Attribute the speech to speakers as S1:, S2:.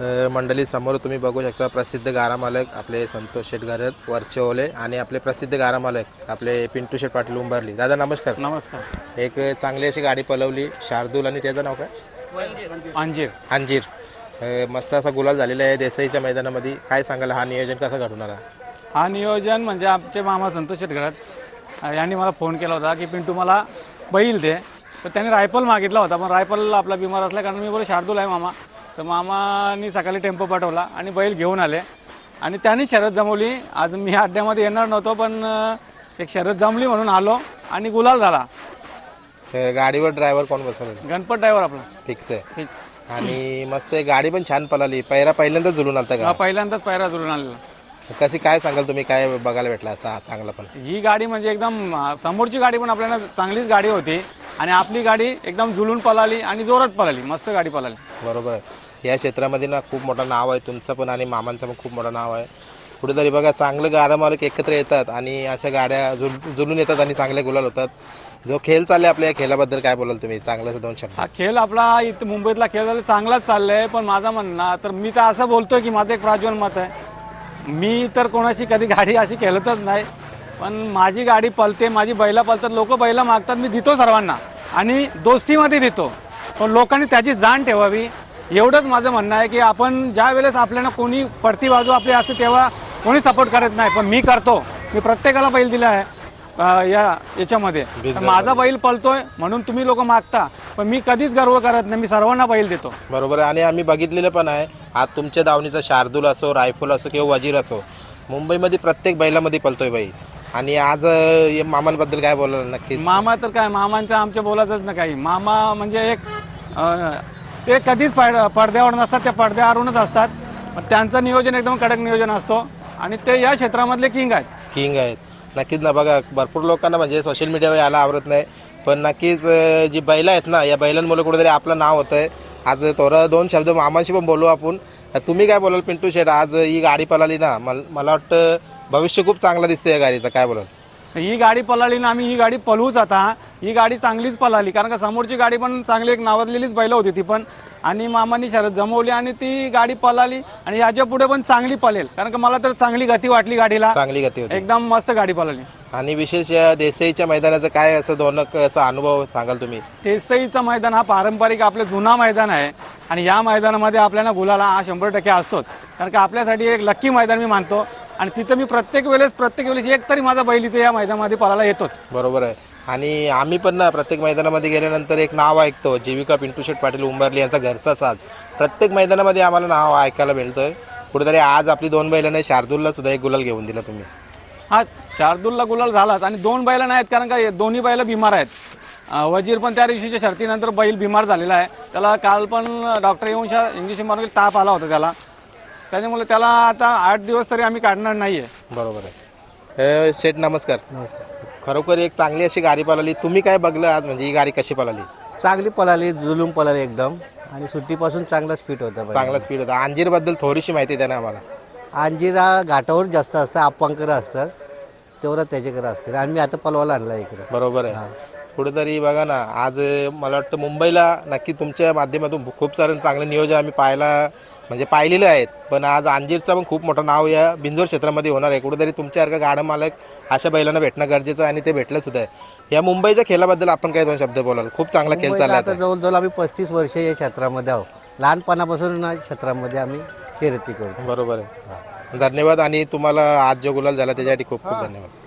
S1: मंडळी समोर तुम्ही बघू शकता प्रसिद्ध गारा मालक आपले संतोष शेठ घरत वरचेओले आणि आपले प्रसिद्ध गारा मालक आपले पिंटू शेठ पाटील उंबरली. दादा नमस्कार.
S2: नमस्कार.
S1: एक चांगली अशी गाडी पलवली शार्दूल आणि त्याचं नाव काय?
S2: अंजीर.
S1: अंजीर. मस्त असा गुलाल झालेला आहे देसाईच्या मैदानामध्ये. काय सांगाल हा नियोजन कसं घडून आला?
S2: हा नियोजन म्हणजे आमचे मामा संतोष शेठ घरात यांनी मला फोन केला होता की पिंटू मला बैल दे. तर त्यांनी रायफल मागितला होता, पण रायफल आपला बिमार असल्या कारण मी बोले शार्दूल आहे मामा. तर मामानी सकाळी टेम्पो पाठवला आणि बैल घेऊन आले आणि त्यांनी शर्यत जमवली. आज मी अड्ड्यामध्ये येणार नव्हतो, पण एक शर्यत जमली म्हणून आलो आणि गुलाल झाला.
S1: गाडीवर ड्रायव्हर कोण बसवलं?
S2: गणपत ड्रायव्हर आपला
S1: फिक्स आहे.
S2: फिक्स.
S1: आणि मस्त गाडी पण छान पळाली. पहिल्यांदाच जुळून आलता का?
S2: पहिल्यांदाच पायरा जुळून आलेला.
S1: कशी काय सांगाल तुम्ही, काय बघायला भेटला असा चांगला? पण
S2: ही गाडी म्हणजे एकदम समोरची गाडी पण आपल्याला चांगलीच गाडी होती आणि आपली गाडी एकदम जुलून पळाली आणि जोरात पळाली. मस्त गाडी पळाली.
S1: बरोबर आहे. या क्षेत्रामध्ये ना खूप मोठं नाव आहे तुमचं पण आणि मामांचं पण खूप मोठं नाव आहे. कुठेतरी बघा चांगलं गाडा मालक एकत्र येतात आणि अशा गाड्या जुलून येतात आणि चांगले गुलाल होतात. जो खेळ चालले आपल्या या खेळाबद्दल काय बोलाल तुम्ही? चांगल्याच दोन शब्द.
S2: हा खेळ आपला इथं मुंबईतला खेळ झाला चांगलाच चाललाय, पण माझा म्हणणं तर मी तर असं बोलतोय की माझं एक प्राज्वल मत आहे. मी तर कोणाची कधी गाडी अशी खेळतच नाही, पण माझी गाडी पळते, माझी बैला पळतात, लोक बैला मागतात, मी देतो सर्वांना आणि दोस्तीमध्ये देतो. पण लोकांनी त्याची जाण ठेवावी एवढंच माझं म्हणणं आहे की आपण ज्या वेळेस आपल्याला कोणी पडती बाजू आपली असते तेव्हा कोणी सपोर्ट करत नाही, पण मी करतो. मी प्रत्येकाला बैल दिला आहे याच्यामध्ये. माझा बैल पळतोय म्हणून तुम्ही लोक मागता, पण मी कधीच गर्व करत नाही. मी सर्वांना बैल देतो.
S1: बरोबर आहे. आणि आम्ही बघितलेलं पण आहे आज तुमच्या दावणीचा शार्दूल असो, रायफल असो किंवा वजीर असो, मुंबईमध्ये प्रत्येक बैलामध्ये पळतोय बैल. आणि आज मामांबद्दल काय बोलाल? नक्की
S2: मामा तर काय, मामांचं आमच्या बोलायचंच ना काही. मामा म्हणजे एक ते कधीच पडद्यावर नसतात, त्या पडद्यावरूनच असतात. पण त्यांचं नियोजन एकदम कडक नियोजन असतो आणि ते या क्षेत्रामधले किंग आहेत.
S1: नक्कीच ना. बघा भरपूर लोकांना म्हणजे सोशल मीडियावर यायला आवडत नाही, पण नक्कीच जी बैल आहेत ना, या बैलांमुळे कुठेतरी आपलं नाव होतं आहे. आज थोडं दोन शब्द मामाशी पण बोलू आपण. तुम्ही काय बोलाल पिंटू शेठ? आज ही गाडी पळाली ना, मला वाटतं भविष्य खूप चांगलं दिसतं या गाडीचं. काय बोलाल?
S2: ही गाडी पळाली ना, आम्ही ही गाडी पळवूच. आता ही गाडी चांगलीच पळाली कारण का समोरची गाडी पण चांगली एक नावाजलेलीच बैल होती ती पण, आणि मामांनी शरद जमवली आणि ती गाडी पळाली आणि याच्या पुढे पण चांगली पळेल कारण का मला तर चांगली गती वाटली गाडीला.
S1: चांगली गती होती.
S2: एकदम मस्त गाडी पळाली.
S1: आणि विशेष या देसाईच्या मैदानाचं काय असं दोनक असा अनुभव सांगाल तुम्ही?
S2: देसाईचं मैदान हा पारंपरिक आपलं जुना मैदान आहे आणि या मैदानामध्ये आपल्याला गुलाला हा 100% असतोच कारण का आपल्यासाठी एक लक्की मैदान मी मानतो आणि तिथं मी प्रत्येक वेळेस एक तरी माझा बैल इथे या मैदानामध्ये पळायला येतोच.
S1: बरोबर आहे. आणि आम्ही पण ना प्रत्येक मैदानामध्ये गेल्यानंतर एक नाव ऐकतो, जीविका पिंटू शेठ पाटील उंबरली यांचा घरचा साथ. प्रत्येक मैदानामध्ये आम्हाला नाव ऐकायला मिळतंय. कुठेतरी आज आपली दोन बैलांनी शार्दूलला सुद्धा एक गुलाल घेऊन दिला तुम्ही.
S2: हा शार्दूलला गुलाल झालाच आणि दोन बैल नाहीत कारण का दोन्ही बैल बिमार आहेत. वजीर पण त्या दिवशीच्या शर्तीनंतर बैल बिमार झालेला आहे. त्याला काल पण डॉक्टर येऊन इंजेक्शन मारून ताप आला होता त्याला, त्याच्यामुळे त्याला आता 8 दिवस तरी आम्ही काढणार नाहीये.
S1: बरोबर आहे. शेठ नमस्कार.
S3: नमस्कार.
S1: खरोखर एक चांगली अशी गाडी पळाली. तुम्ही काय बघलं आज, म्हणजे ही गाडी कशी पळाली?
S3: चांगली पळाली, जुलूम पळाली एकदम आणि सुट्टीपासून चांगला स्पीड होता.
S1: चांगला स्पीड होता. अंजीरबद्दल थोडीशी माहिती द्या ना आम्हाला.
S3: अंजिरा घाटावर जास्त असतं, आप्पांकडे असतं, तेवढं त्याच्याकडे असतं आणि मी आता पलवाला आणला इकडे.
S1: बरोबर आहे. कुठेतरी बघा ना आज मला वाटतं मुंबईला नक्की तुमच्या माध्यमातून खूप सारं चांगलं नियोजन आम्ही पाहिलेलं आहेत. पण आज अंजीरचं पण खूप मोठं नाव या बिंजोर क्षेत्रामध्ये होणार आहे. कुठेतरी तुमच्यासारखं गाडा मालक अशा बैलांना भेटणं गरजेचं आहे आणि ते भेटलं सुद्धा आहे. या मुंबईच्या खेळाबद्दल आपण काय दोन शब्द बोलाल? खूप चांगला खेळ चालला
S3: आता जवळजवळ आम्ही 35 वर्ष या क्षेत्रामध्ये आहोत. लहानपणापासून क्षेत्रामध्ये आम्ही शर्यती करतो.
S1: बरोबर आहे. धन्यवाद. आणि तुम्हाला आज जो गुलाल झाला त्याच्यासाठी खूप खूप धन्यवाद.